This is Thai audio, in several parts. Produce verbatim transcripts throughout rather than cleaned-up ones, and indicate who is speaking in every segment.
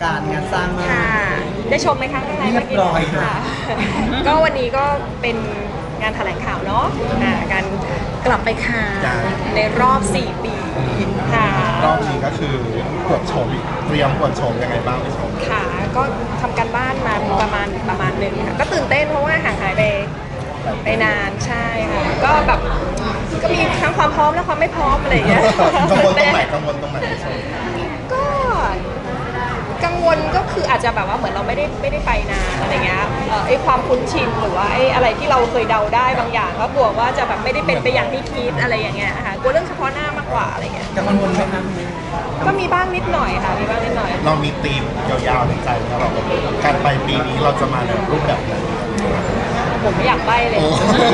Speaker 1: การงานสร้างมาก
Speaker 2: ค่ะได้ชมไหมคะข้างใน
Speaker 1: เรียบร้อยค่ะ
Speaker 2: ก็วันนี้ก็เป็นงานแถลงข่าวเนาะอ่าการกลับไปค่ะในรอบสี่ปีค่ะ
Speaker 3: รอบนี้ก็คือตรวจโฉมเตรียมตรวจโฉมยังไงบ้างพี่ชม
Speaker 2: ค่ะก็ทำการบ้านมาประมาณประมาณหนึ่งค่ะก็ตื่นเต้นเพราะว่าห่างหายไปไปนานใช่ค่ะก็แบบก็มีทั้งความพร้อมและความไม่พร้อมอะไรอย่างเงี้ย
Speaker 3: กังวลตรงไหนกังวลตรงไหนพี่ชม
Speaker 2: ก็กังวลก็คืออาจจะแบบว่าเหมือนเราไม่ได้ไม่ได้ไปนานอะไรเงี้ยเอ่อไอ้ความคุ้นชินหรือว่าไอ้อะไรที่เราเคยเดาได้บางอย่างก็กลัวว่าจะแบบไม่ได้เป็นไปอย่างที่คิดอะไรอย่างเงี้ยค่ะกลัวเรื่องเฉพาะหน้ามากกว่าอะไรเงี้ย
Speaker 1: กังวลไหมคะ
Speaker 2: ก็มีบ้างนิดหน่อยค่ะมีบ้างนิดหน่อย
Speaker 3: เรามีธีมยาวๆในใจแล้วเราการไปปีนี้เราจะมาในรูปแบบไหน
Speaker 2: ผมไม่อยากไปเลย
Speaker 3: โอ้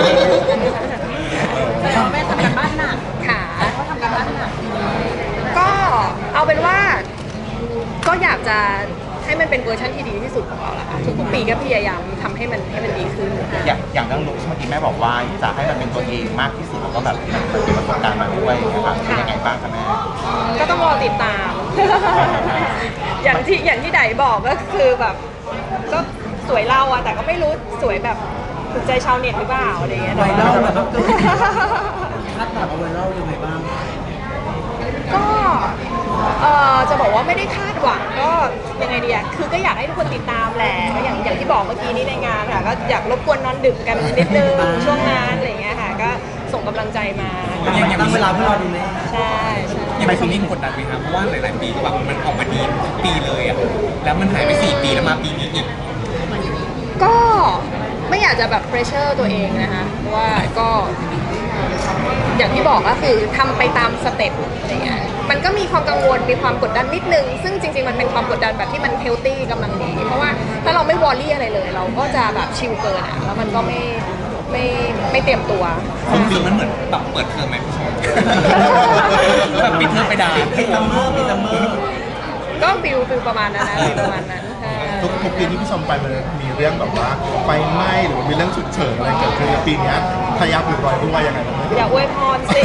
Speaker 4: แต่เราแม่ทำกันบ้านหนัก
Speaker 2: ค่ะ
Speaker 4: เขาทำกันบ้านหนัก
Speaker 2: ก็เอาเป็นว่าก็อยากจะให้มันเป็นเวอร์ชันที่ดีที่สุดของเราละค่ะทุกๆปีก็พยายามทำให้มันให้มันดีขึ้น
Speaker 5: อย่างอย่างเรื่องลุคเมื่อกี้แม่บอกว่าจะให้มันเป็นตัวเองมากที่สุดแล้วก็แบบมีประสบการณ์มาด้วยนะครับเป็นยังไงบ้างคะแม่
Speaker 2: ก็ต้องรอติดตาม อย่างที่อย่างที่ไดบอกก็คือแบบก็สวยเราอะแต่ก็ไม่รู้สวยแบบถูกใจชาวเน็ตหรือเปล่าอะไรเงี้ย
Speaker 1: ไวรัลแบบว่าเกิดคาดหวังเอาไวรัลยังไงบ้าง
Speaker 2: ก็เออจะบอกว่าไม่ได้คาดหวังก็ยังไงดีอะคือก็อยากให้ทุกคนติดตามแหละก็อย่างอย่างที่บอกเมื่อกี้นี้ในงานค่ะก็อยากรบกวนนอนดึกกันนิดนึงช่วงงานอะไรเงี้ยค่ะก็ส่งกำลังใจมา
Speaker 1: ตั้งเวลาเพื่อรอดูแม่
Speaker 2: ใช่ใช่
Speaker 6: ยังไปปีนี้กดดันไหมครับเพราะว่าหลาย ๆ ปีก็แบบมันออกมาดีทุกปีเลยอ่ะแล้วมันหายไปสี่ปีแล้วมาปีนี้อีก
Speaker 2: ก็ไม่อยากจะแบบเพรสเชอร์ตัวเองนะคะเพราะว่าก็อย่างที่บอกก็คือทำไปตามสเต็ปอะไรเงี้ยมันก็มีความกังวลมีความกดดันนิดนึงซึ่งจริง ๆ มันเป็นความกดดันแบบที่มันเฮลตี้กำลังดีเพราะว่าถ้าเราไม่วอรี่อะไรเลย เราก็จะแบบชิลเกินอ่ะแล้วมันก็ไม่ไม่ไม่เตรียมตัว
Speaker 6: ความรู้สึกมันเหมือนแบบเปิดเทอมไหมพี่ชม แบบปิดเทอมไปดา
Speaker 1: ปิดซัมเมอร์ปิดซัมเมอร์
Speaker 2: ก็ฟิลฟิลประมาณนั้นนะฟิลประมาณนั้นใช่
Speaker 3: ทุกทุกปีที่พี่ชมไปมันมีเรื่องแบบว่าไฟไหม้หรือว่ามีเรื่องฉุกเฉินอะไรเกิดขึ้นปีนี้พยายามอยู่รอยด้วยยังไงบ้าง
Speaker 2: อย่าอวยพรสิ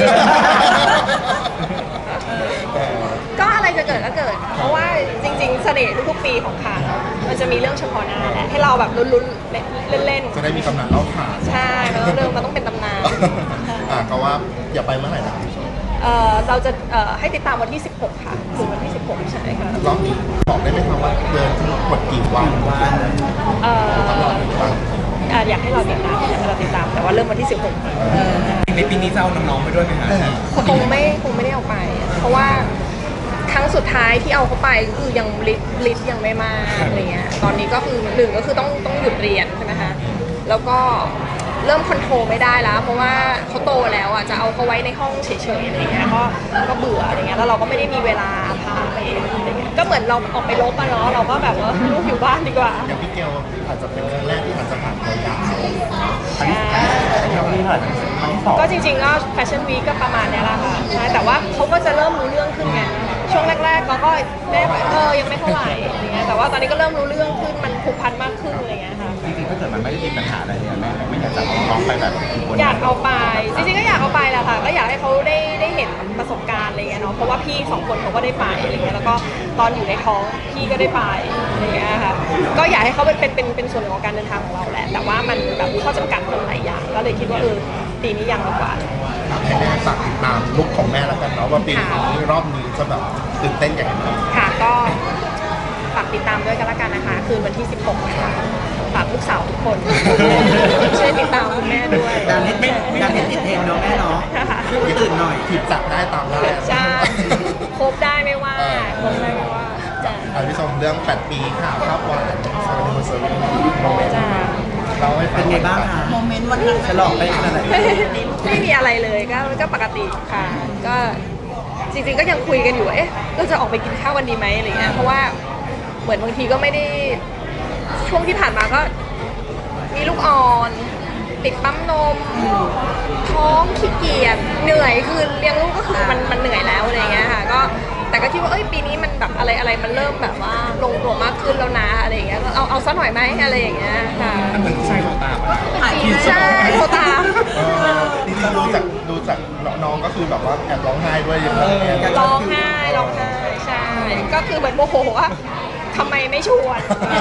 Speaker 2: ก็อะไรจะเกิดก็เกิด เพราะว่าจริงๆเสน่ห์ทุกๆปีของคานมันจะมีเรื่องเฉพาะหน้าแหละให้เราแบบลุ้นๆเล่น
Speaker 3: จะได้มีตำนานเล่าขาน
Speaker 2: ๆใช่มันต้องเรื่องมันต้องเป็นตำนาน
Speaker 3: อ่าก็ว่าอย่าไปเมื่อไหร่นะพี่ชม
Speaker 2: เอ่อเราจะเอ่อให้ติดตามวันที่สิบหกค่ะถึงวันที่สิบหกใช่ค่ะ
Speaker 3: รอบนี้บอกได้ไหมครับว่าเดินทั้งหมดกี่วัน
Speaker 1: วัน
Speaker 2: เอ่อ
Speaker 3: ตลอดหนึ่งวัน
Speaker 2: อ่ะอยากให้เราติดตามอยากให้เราติดตามแต่ว่าเริ่มวันที่สิบหก
Speaker 6: ในปีนี้จะเอาน้อง ๆ ไปด้วยไหมครับ
Speaker 2: คงไม่คงไม่ได้เอาไป เพราะว่าครั้งสุดท้ายที่เอาเขาไปก็คือยังลิสลิสยังไม่มากอะไรเงี้ยตอนนี้ก็คือหนึ่งก็คือต้องต้องหยุดเรียนใช่ไหมคะแล้วก็เริ่มคอนโทรลไม่ได้แล้ว เพราะว่าเขาโตแล้วอ่ะจะเอาเขาไว้ในห้องเฉยๆอะไรเงี้ยก็ก็เบื่ออะไรเงี้ยแล้วเราก็ไม่ได้มีเวลาพาไปอะไรเงี้ยก็เหมือนเราออกไปลบอะเนาะเราก็แบบว่าลูกอยู่บ้านดีกว่า
Speaker 3: อย่างพี่เกลอาจจะเป็นครั้งแรกที่อาจจะผ่านตัวยาว
Speaker 2: ใช่
Speaker 5: นี่เท่าไหร่ครั้งที่สอง
Speaker 2: ก็จริงๆก็แฟชั่นวีคก็ประมาณเนี้ยแหละค่ะใช่แต่ว่าเขาก็จะเริ่มรู้เรื่องขึ้นไงช่วงแรกๆเราก็แม่บอกเออยังไม่เท่าไหร่อะไรเงี้ยแต่ว่าตอนนี้ก็เริ่มรู้เรื่องขึ้นมันผูกพันมากขึ้นอะไรเงี้ยค่ะ
Speaker 5: จริงๆถ้าเกิดมันไม่ได้มีปัญหาอะไรเลยแม่ไม่อยากจะเอาน้องไปแบบบน
Speaker 2: อยากเอาไปจริงๆก็อยากเอาไปแหละค่ะก็อยากให้เขาได้ได้เห็นประสบการณ์อะไรเงี้ยเนาะเพราะว่าพี่สองคนเขาก็ได้ไปอะไรเงี้ยแล้วก็ตอนอยู่ในท้องพี่ก็ได้ไปอะไรเงี้ยค่ะก็อยากให้เขาเป็นเป็นเป็นเป็นส่วนหนึ่งของการเดินทางของเราแหละแต่ว่ามันแบบข้อจำกัดมันหลายอย่างก็เลยคิดว่าเออปีนี้ยังดีกว่า
Speaker 3: ให้แม่ฝากติดตามลุคของแม่แล้วกันเนาะว่าปีนี้รอบนี้จะแบบตื่นเต้นอย่างไรบ้าง
Speaker 2: ค่ะก็ฝากติดตามด้วยกันละกันนะคะคืนวันที่สิบหกนะคะฝากลูกสาวทุกคน ช่วยติดตามคุณแม่ด้วย
Speaker 1: การเล่นการเล่นติดเทรนด์เนาะแม่เนาะตื่นหน่อย
Speaker 3: ผิดจับได้ตามได้
Speaker 2: ใช่ครบได้ไม่ว่าครบได้ไม่ว่าจ้ะ
Speaker 3: อ่ะพี่ชมเรื่องแปดปีค่ะภาพหวานซาร์นิเวอร์ซารีโมเมนต์
Speaker 2: จ้ะ
Speaker 3: เราให้ฟั
Speaker 1: เป็นไงบ้างคะ
Speaker 4: โมเมนต์วันนั้น
Speaker 1: ฉลองไปขนาดไหน
Speaker 2: ไม่มีอะไรเลยก็ก็ปกติค่ะ ก็จริงๆก็ยังคุยกันอยู่ว่าเอ๊ะเราจะออกไปกินข้าววันดีไหมอะไรเงี้ยเพราะว่าเหมือนบางทีก็ไม่ได้ช่วงที่ผ่านมาก็มีลูกอ่อนติดปั๊มนมท้องขี้เกียจเหนื่อยคือเลี้ยงลูกก็คือมันมันเหนื่อยแล้วอะไรเงี้ยค่ะก็แต่ก็คิดว่าเอ้ยปีนี้มันแบบอะไรอะไรมันเริ่มแบบว่าลงตัวมากขึ้นแล้วนะอะไรอย่างเงี้ยก็เอาเอาซะหน่อยไหมอะไรอย่างเงี้ยค่ะ
Speaker 6: มันเหมือนผู้ชายโทรตามอะ
Speaker 2: ใช่โทรตาม
Speaker 3: เออจริงๆดูจากดูจากน้องก็คือแบบว่าแอบร้องไห้ด้วยอย่างเงี้ย
Speaker 2: ร้องไห้ร้องไห้ใช่ก็คือเหมือนโมโหว่าทำไมไม่ชวน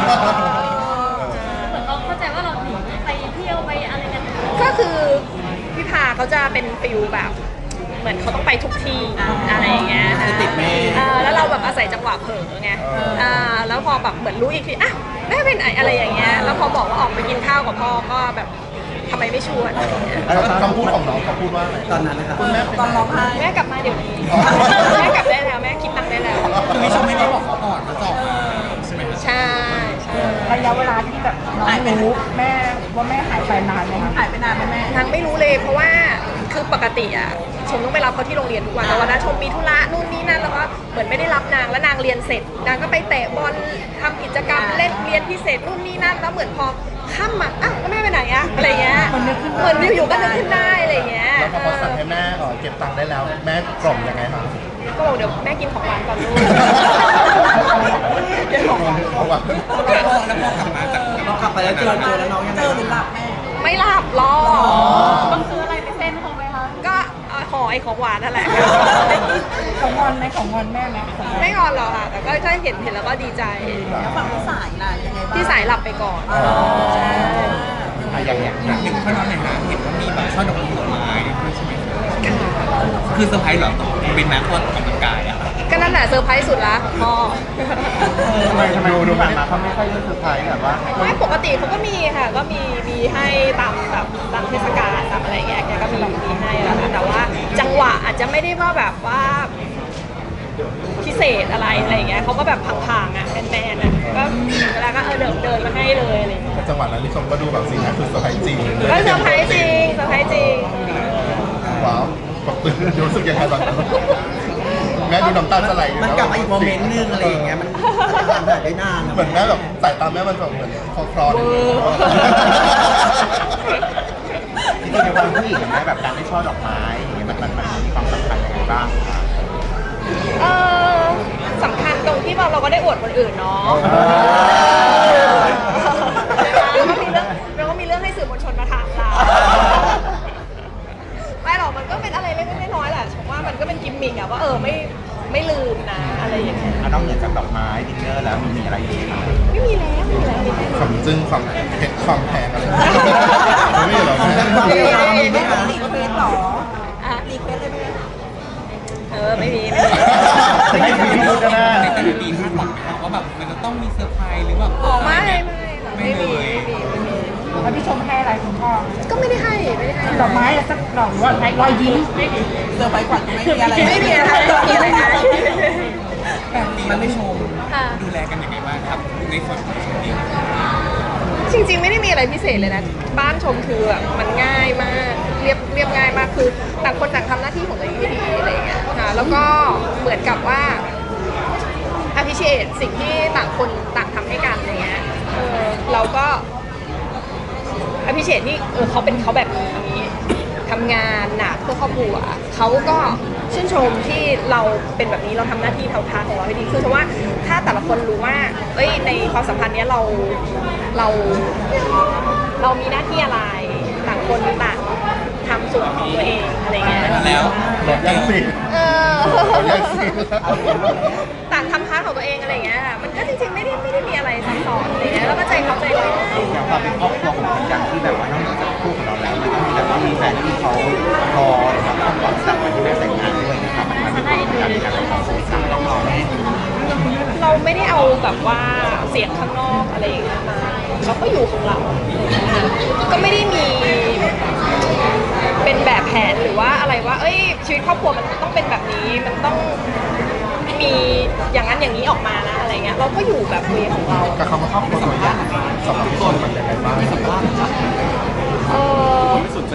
Speaker 4: เหมือนเขาเข้าใจว่าเราหนีไปเที่ยวไปอะไรกัน
Speaker 2: ก็คือพี่พาเขาจะเป็นฟิลแบบ เหมือนเขาต้องไปทุกที่อะไรอย่างเงี้ย
Speaker 1: ติดแม่
Speaker 2: เออแล้วเราแบบอาศัยจังหวะเผลอไงอ่าแล้วพอแบบเหมือนรู้อีกทีอ่ะแม่ไปไหนอะไรอย่างเงี้ยแล้วพอบอกว่าออกไปกินข้าวกับพ่อก็แบบทำไมไม่ชวนอะไรอย่างเงี้ย
Speaker 3: คำพูดของน้องเขาพูดว่าอะไร
Speaker 1: ตอนนั้นนะครับ
Speaker 3: คุณแม่เป็น
Speaker 1: ตอนร้องไห้
Speaker 2: แม่กลับมาเดี๋ยวนี้
Speaker 3: อ๋อ
Speaker 2: แม่กลับได้แล้วแม่คิดตังค์ได้แล้ว
Speaker 6: คือไม่ชมไม่ได้บอกเขาก่อนแล้วจะออกมาใช่ไหมครับ
Speaker 2: ใช่ใช่
Speaker 7: ระยะเวลาที่แบบน้องรู้แม่ว่าแม่หายไปนานไหมคะ
Speaker 1: หายไปนานไหมแม่
Speaker 2: นางไม่รู้เลยเพราะว่าคือปกติอ่ะชมต้องไปรับเขาที่โรงเรียนทุกวันแต่วันนั้นชมมีธุระนู่นนี่นั่นแล้วก็เหมือนไม่ได้รับนางแล้วนางเรียนเสร็จนางก็ไปเตะบอลทำกิจกรรมเล่นเรียนพิเศษนู่นนี่นั่นแล้วเหมือนพอค่ำอ่ะอ้าวแล้วแม่ไปไหนอ่ะอะไรเงี้ยเหมือนอยู่ๆก็นึกขึ้นได้อะไรเงี้ย
Speaker 3: แล้วพอเขาสั่งให้แม่เอ่อเก็บตังค์ได้แล้ว แม่กล่อมยังไงคะ
Speaker 2: ก็บอกเดี๋ยวแม่กินของหวานก่อนลูกกินของหวาน
Speaker 3: เพราะว่า
Speaker 6: แล้วพอแล้วพอกลับมาจาก
Speaker 1: เรากลับไปแล้วเจอเจอแล้วน้องยังไงเจอหรือหลับแม่
Speaker 2: ไม่หลับรอ
Speaker 4: ต้องซื้ออะไรไปเส้นเขาไหมคะ
Speaker 2: ก็เอาห่อไอ้ของหวานนั่นแหละ
Speaker 7: ของงอนไหมของงอนแม่ไหมของงอน
Speaker 2: ไม่งอนหรอกค่ะแต่ก็ถ้าเห็นเห็นแล้วก็ดีใจ
Speaker 1: แล้วฝั่งพี่สายล่ะยังไงบ้าง
Speaker 2: พี่สายหลับไปก่อนใช่
Speaker 5: อะอย่างอย่าง
Speaker 6: หนึ่งข้อน้องหน่อยนะเห็นว่ามีแบบช่อดอกผลไม้ด้วยใช่ไหมคือเซอร์ไพรส์เหรอเป็นนักออกกำลังกายอ่ะ
Speaker 2: ก็นั่นแหละเซอร์ไพรส์สุดละพ่อ
Speaker 5: ทำไมทำไมดูผ่านมาเขาไม่ค่อยรู้สึกไพรส์แบบว่า
Speaker 2: ไม่ปกติเขาก็มีค่ะ ก็มีมีให้ตามแบบตามเทศกาลตามอะไรอย่างเงี้ยแกก็มีมีให้แล้วค่ะแต่ว่าจังหวะอาจจะไม่ได้ว่าแบบว่าพิเศษอะไรอะไรอย่างเงี้ยเขาก็แบบพังๆอ่ะแมนๆอ่ะก็เวลาก็เออเดินเดินมาให้เลยอะไรอย่างเงี้ย
Speaker 3: จังหวะนั้นที่ชมก็ดูแบบสีหน้าคือเซอร์ไพรส์จริง
Speaker 2: ก็เซอร์ไพรส์จริงเซอร์ไพรส์จริง
Speaker 3: ว้าวแบบตื่นรู้สึกยังไงตอนนั้นแม่ดูน้ำตาจะไหลอยู่
Speaker 1: มันกลับมาอีกโมเมนต์นึงอะไรอย่างเงี้ยมันทำแบบได้นาน
Speaker 3: เหมือนแม่แบบสายตาแม่มันแบบเหมือนคลอคลอ
Speaker 2: เวอร์
Speaker 5: จริงๆในวันผู้หญิงนะแบบการได้ช่อดอกไม้อย่างเงี้ยมันมันมันมีความสำคัญยังไงบ้างคะ
Speaker 2: เออสำคัญตรงที่เราเราก็ได้อวดคนอื่นเนาะแล้วก็มีเรื่องแล้วก็มีเรื่องให้สื่อมวลชนมาถามเราไม่หรอกมันก็เป็นอะไรเล็กๆน้อยๆแหละผมว่ามันก็เป็นกิมมิคอะว่าเออไม่ไม่ลืมนะอะไรอย่างเงี้ย
Speaker 5: อ่ะนอกเหนือจากดอกไม้ดินเนอร์แล้วมีมีอะไรอีกไหมคะ
Speaker 2: ไม่มีแล้วไม่มีแล้วไม่มี
Speaker 3: ความจึ้งความเผ็ดความแพงอะไรไม่มีหรอก
Speaker 1: มีไหมคะรีเควสหรอ
Speaker 2: อ่ะ
Speaker 1: รีเควสเลยไหม
Speaker 2: เออไม่มีไม่มี
Speaker 5: แต่ไม่มีพูดก็ได้
Speaker 6: ในแต่ละปีคาดหวังไหมครับว่าแบบมันจะต้องมีเซอร์ไพรส์หรือแบบ
Speaker 2: อ๋อไม่ไม่ไม่มีไม่มีไม่มี
Speaker 7: แล้วพี่ชมให้อะไรคุณพ่อ
Speaker 2: ก็ไม่ได้ให้ไม่ได้ให้
Speaker 7: ดอกไม้อะสักดอกหรือว่ารอยยิ้มไม่มี
Speaker 1: เซอร์ไพรส์ขวัญก็ไม่มีอะไร
Speaker 2: ไม่มีอะไรไม่มีอะไรนะ
Speaker 6: มันไม่ชม
Speaker 2: ค่ะ
Speaker 6: ดูแลกันยังไงบ้างครับในส่วนของชมเอง
Speaker 2: จริงๆไม่ได้มีอะไรพิเศษเลยนะ บ้านชมคือแบบมันง่ายมากเรียบเรียบง่ายมากคือต่างคนต่างทำหน้าที่ของตัวเองให้ดีอะไรอย่างเงี้ยค่ะแล้วก็เหมือนกับว่า appreciate สิ่งที่ต่างคนต่างทำให้กันอะไรเงี้ยเออเราก็ appreciate ที่เออเขาเป็นเขาแบบนี้ทำงานหนักเพื่อครอบครัวเขาก็ชื่นชมที่เราเป็นแบบนี้เราทำหน้าที่เท่าทานของเราให้ดีคือเพราะว่าถ้าแต่ละคนรู้ว่าเอ้ยในความสัมพันธ์เนี้ยเราเรา เรามีหน้าที่อะไรต่างคนต่างทำส่วนของตัวเองอะไรเงี้ย
Speaker 6: แล้ว
Speaker 3: แบบแย่งซีน
Speaker 2: เออ
Speaker 3: แย่งซีน
Speaker 2: ต่างทำพาร์ทของตัวเองอะไรเงี้ยมันก็จริงๆไม่ได้ไม่ได้มีอะไรซับซ้อนอะไรเงี้ยแล้วก็ใจเขาใจเรา
Speaker 5: อย่างความเป็นครอบครัวของคนยังที่แบบว่านอกเหนือจากคู่ของเราแล้วมันก็มีแบบว่ามีแฟนที่เขารอหรือว่าคาดหวังจากวันที่แม่แต่งงานด้วยนะครับมันมันมีความสำคัญในการของสื่อสารต้องรอแม่
Speaker 2: เราไม่ได้เอาแบบว่าเสียงข้างนอกอะไรอย่างเงี้ยมาเราก็อยู่ของเราก็ไม่ได้มีเป็นแบบแผนหรือว่าอะไรว่า เอ้ยชีวิตครอบครัวมันต้องเป็นแบบนี้มันต้องมีอย่างนั้นอย่างนี้ออกมานะอะไรเงี้ยเราก็อยู่แบบเวของเรา
Speaker 3: กับคำว่าครอบครัวตัวอย่างสำหรับพี่ชมมันยังไงบ้าง
Speaker 2: เออ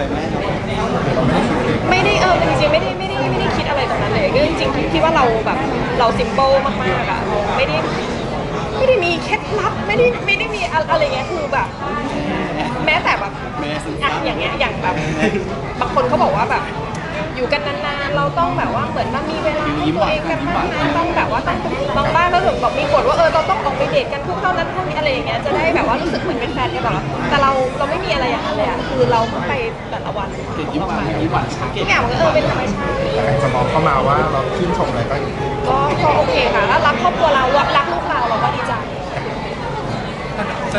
Speaker 2: ไม่ได้เออจริงๆไม่ได้ไม่ได้ไม่ได้คิดอะไรตรงนั้นเลยก็จริงๆคิดว่าเราแบบเราซิมเปิลมากๆอะเราไม่ได้ไม่ได้มีเคล็ดลับไม่ได้ไม่ได้มีอะไรเงี้ยคือแบบ แม้แต่แบบอะอย่างเงี้ยอย่างแบบบางคนเขาบอกว่าแบบ อยู่กันนานๆเราต้องแบบว่าเหมือนมันมีเวลาให้ตัวเองกันมากๆต้องแบบว่าต้องบางบ้านก็ถึงบอกมีกฎว่าเออเราต้องออกไปเดทกันทุกเท่านั้นเท่านี้อะไรอย่างเงี้ยจะได้แบบว่ารู้สึกเหมือนเป็นแฟนกันแบบว่าแต่เราเราไม่มีอะไรอย่างนั้นเลยอะคือเราไปแต่ละวันทุกอย่างมันก็เออเป็นธรรมชาติ
Speaker 3: ใครจะมองเข้ามาว่าเราชื่นชมอะไรก็
Speaker 2: ก็ก็โอเคค่ะแล้วรักครอบครัวเรารักลูกเราเราก็ดีใจ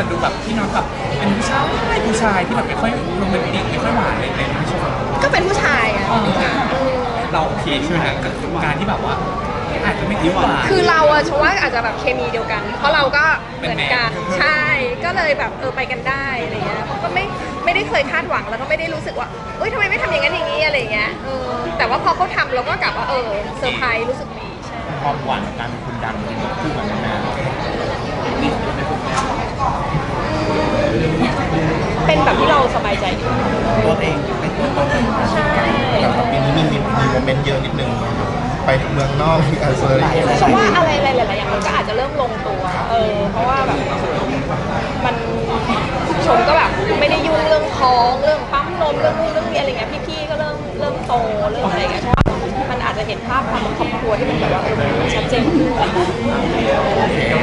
Speaker 6: จะดูแบบพี่น้องแบบเป็นผู้ชายผู้ชายที่แบบไม่ค่อยโรแมนติกไม่ค่อยหวานเลยเลยไม่ใช่ไหม
Speaker 2: ก็เป็นผู้ชายอ่ะ
Speaker 6: เราโอเคใช่ไหมนะกับการที่แบบว่าอาจจะไม่ได้หวาน
Speaker 2: คือเราอะฉันว่าอาจจะแบบเคมีเดียวกัน เพราะเราก็เหมือนกัน
Speaker 6: เป็นแมน
Speaker 2: ใช่ ก็เลยแบบเออไปกันได้อะไรเงี้ยก็ไม่ไม่ได้เคยคาดหวังแล้วก็ไม่ได้รู้สึกว่าเอ้ยทำไมไม่ทำอย่างนั้นอย่างนี้อะไรเงี้ยเออแต่ว่าพอเขาทำเราก็กลับว่าเออเซอร์ไพรส์รู้สึกดีใช่
Speaker 5: ความหวานกับการเป็นคนดังเป็นคู่กันนาน
Speaker 2: เป็นแบบที่เราสบายใจดี
Speaker 5: ตัวเองไม่ตัวตน
Speaker 2: ใช่
Speaker 3: แต่ปีนี้มีมีมีโมเมนต์เยอะนิดนึงไปเมืองนอกที่อาเซอร์
Speaker 2: ฉันว่าอะไรหลายๆอย่างมันก็อาจจะเริ่มลงตัว เออ เพราะว่าแบบมันชมก็แบบไม่ได้ยุ่งเรื่องท้องเรื่องปั๊มนมเรื่องนู่นเรื่องนี้อะไรเงี้ยพี่ๆก็เริ่มเริ่มโตเริ่มอะไรเงี้ยเพราะว่ามันอาจจะเห็นภาพความเป็นครอบครัวที่มันแบบว่าเออมันชัดเจนขึ้น
Speaker 3: โอเค